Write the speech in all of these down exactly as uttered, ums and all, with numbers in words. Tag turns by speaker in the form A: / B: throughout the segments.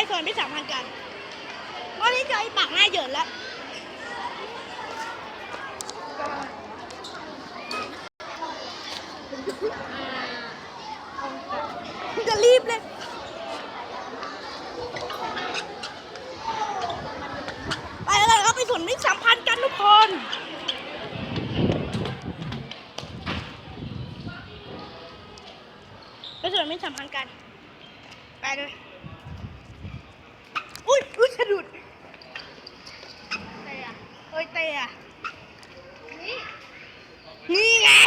A: ส่วนไม่สามพันกันวันนี้เจอไอ้ปากหน้าเหยินแล้วจะรีบเลยไปแล้วครับไปส่วนไม่สามพันกันทุกคนไปส่วนไม่สามพันกันไปเลยอุ้ยอุ้ยสะดุดเตะเอ้ยเตะนี่ไง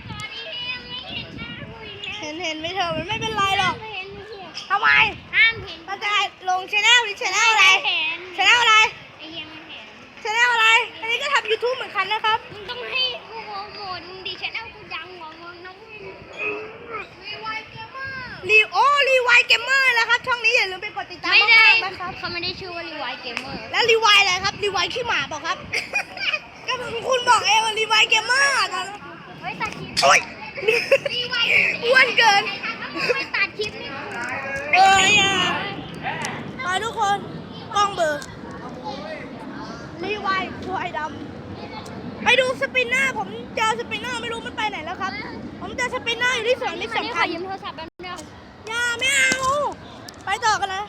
A: เห็นเห็นไม่เถอะมันไม่เป็นไรหรอกทำไมห้ามเห็นมันจะลงชแนลหรือชแนลอะไรชแนลอะไรไอ้ยังไม่เห็นชแนลอะไรอันนี้ก็ทำยูทูบเหมือนกันนะครับมึงต้องให้กูโปรโมทมึงดีชแนลกูดังกว่ามึงน้องรีไวเกมเมอร์รีโอรีไวเกมเมอร์นะครับช่องนี้อย่าลืมไปกดติดตามไม่ได้นะครับเขาไม่ได้ชื่อว่ารีไวเกมเมอร์แล้วรีไวอะไรครับรีไวขี้หมาบอกครับก็คุณบอกเองว่ารีไวเกมเมอร์ตอนเฮ้ยตัดคลิปโอ้ยอ้วนเกินไม่ตัดคลิปนี่เอ้ยอ่ะไปทุกคนกล้องเบอร์รีไวตัวไอ้ดำไปดูสปินเนอร์ผมเจอสปินเนอร์ไม่รู้มันไปไหนแล้วครับผมเจอสปินเนอร์อยู่ที่สวนมิตรสำคัญยืมโทรศัพท์แป๊บนึงอย่าไม่เอาไปต่อกันนะ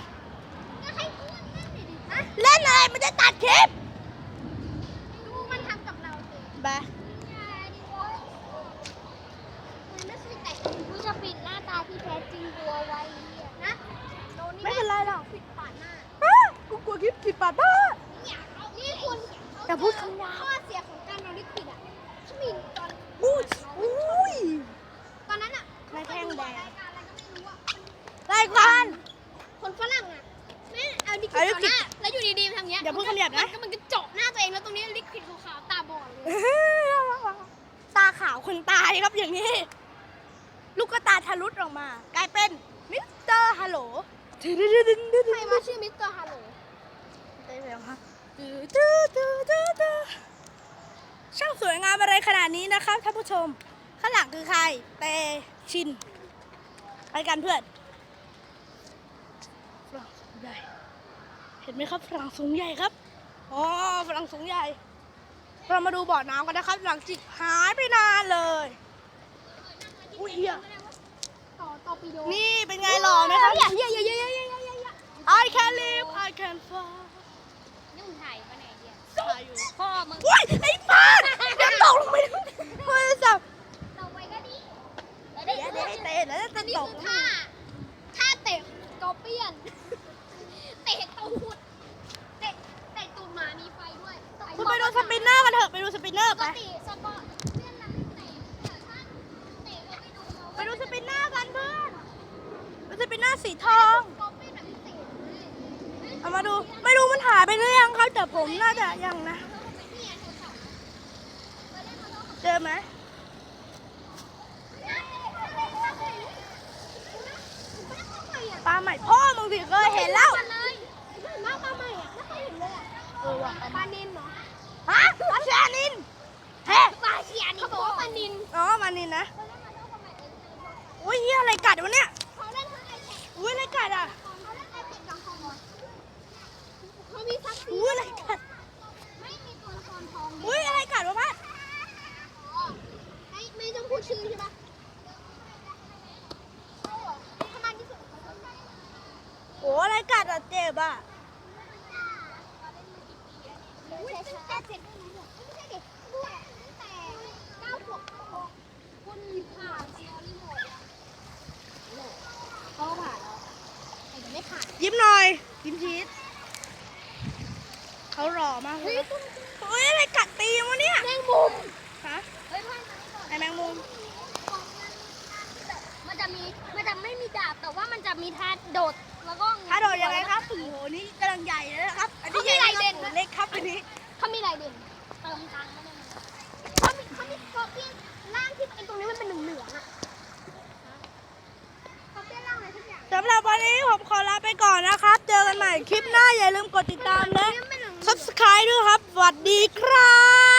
A: เล่นอะไรมันจะตัดคลิปดูมันทำกับเราสิไปกูจะปิดหน้าตาที่แท้จริงกูเอาไว้นะไม่เป็นไรหรอกปิดปาดหน้ากูกลัวคลิปปิดปาดหน้านี่คุณแต่พูดคำหยาบข้อเสียของการนอนลิขิตอ่ะชมินตอนอุ้ยอุ้ยตอนนั้นอ่ะนายแท่งแดงรายการคนฝรั่งอ่ะแม่เอาลิขิตต่อหน้าแล้วอยู่ดีๆทำเงี้ยอย่าพูดคำหยาบนะมันก็เจาะหน้าตัวเองแล้วตรงนี้ลิขิตขาวๆตาบอดเลยตาขาวคนตายครับอย่างนี้ลูกตาทะลุออกมากลายเป็นมิสเตอร์ฮัลโหลใครมาชื่อมิสเตอร์ฮัลโหลได้แล้วครับช่างสวยงามอะไรขนาดนี้นะครับท่านผู้ชมข้างหลังคือใครเตชินไปกันเพื่อนฝรั่งสูงใหญ่เห็นไหมครับฝรั่งสูงใหญ่ครับอ๋อฝรั่งสูงใหญ่เรามาดูบ่อน้ำกันนะครับหลังจิกหายไปนานเลยอุ้ยเฮียนี่เป็นไงหล่อไหมครับเฮียเฮียเฮียเฮียเฮียเฮีย I can live I can fly
B: นี่มึงถ่ายปะเนี่ยเฮีย
A: ถ่ายอยู่
B: พ่อมึง
A: อุ้ยไอ้ป้าเดี๋ยวตกลงไปโทรศัพท์
B: เราไว้ก็ดี
A: เดี๋ยวเดี๋ยวเตะแล้วจะตก
B: ท่าท่าเตะกอเปียนเตะตูดเตะเตะตูดหมามีไฟด้วย
A: คุณไปดูสปินเนอร์กันเถอะไปดูสปินเนอร์ไปไปดูสปินเนอร์กันเพื่อนดูสปินเนอร์สีทองเอามาดูไม่รู้มันหายไปหรือยังครับแต่ผมน่าจะยังนะเจอไหมปลาใหม่พ่อมึงสิเคยเห็นแล้ว
B: ปลาใหม่อะไม่เคยเห็นเลยอะ
A: เออว่ะ
B: ปลานินเหรอ
A: ฮะปลาเชียนินเฮ้
B: ปลาเชียนินเขาบอกว่าปลานิน
A: อ๋อปลานินนะอุ้ยเฮียอะไรกัดวะเนี่ยอุ้ยอะไรกัดอ่ะ
B: เขามีซักซี
A: อุ้ยอะไรกัด
B: ไม่มีตัวละครทอง
A: อุ้ยอะไรกัดวะพัด
B: ไม่ไม่ต้องพูดชื่อใช่ปะขนาดที่สุด
A: โอ้อะไรกัดอ่ะเจ็บอ่ะ
B: อุ้ยตั้งแต่เจ็ดไม่ใช่เด็กด้วยตั้งแต่เก้าขวบคุณผ่านซีรีส์หมดเขาผ่านแล้วแต่ไม่ผ่าน
A: ยิ้มหน่อยยิ้มชีสเขาหล่อมากเลยเฮ้ยอะไรกัดตีวะเนี่ย
B: แมงมุม
A: ฮะ
B: เฮ้ยพ่อไอ
A: แมงมุม
B: มันจะมีมันจะไม่มีดาบแต่ว่ามันจะมีท่าโดดแล้วก็
A: ท่าโดดยังไงครับโอ้โหนี่กำลังใหญ่เลยนะครับอันนี้ใหญ่เด่นเล็กครับอันนี้
B: เขามีลายเด่นเติมตังค์เขามีเขามีสกอร์เปียนร่างที่ไอตรงนี้มันเป็นเหลืองๆอะสกอร์เปียนร่างอะไรทุกอย่าง
A: สำหรับวันนี้ผมขอลาไปก่อนนะครับเจอกันใหม่คลิปหน้าอย่าลืมกดติดตามและ ซับสไครบ์ ด้วยครับสวัสดีครับ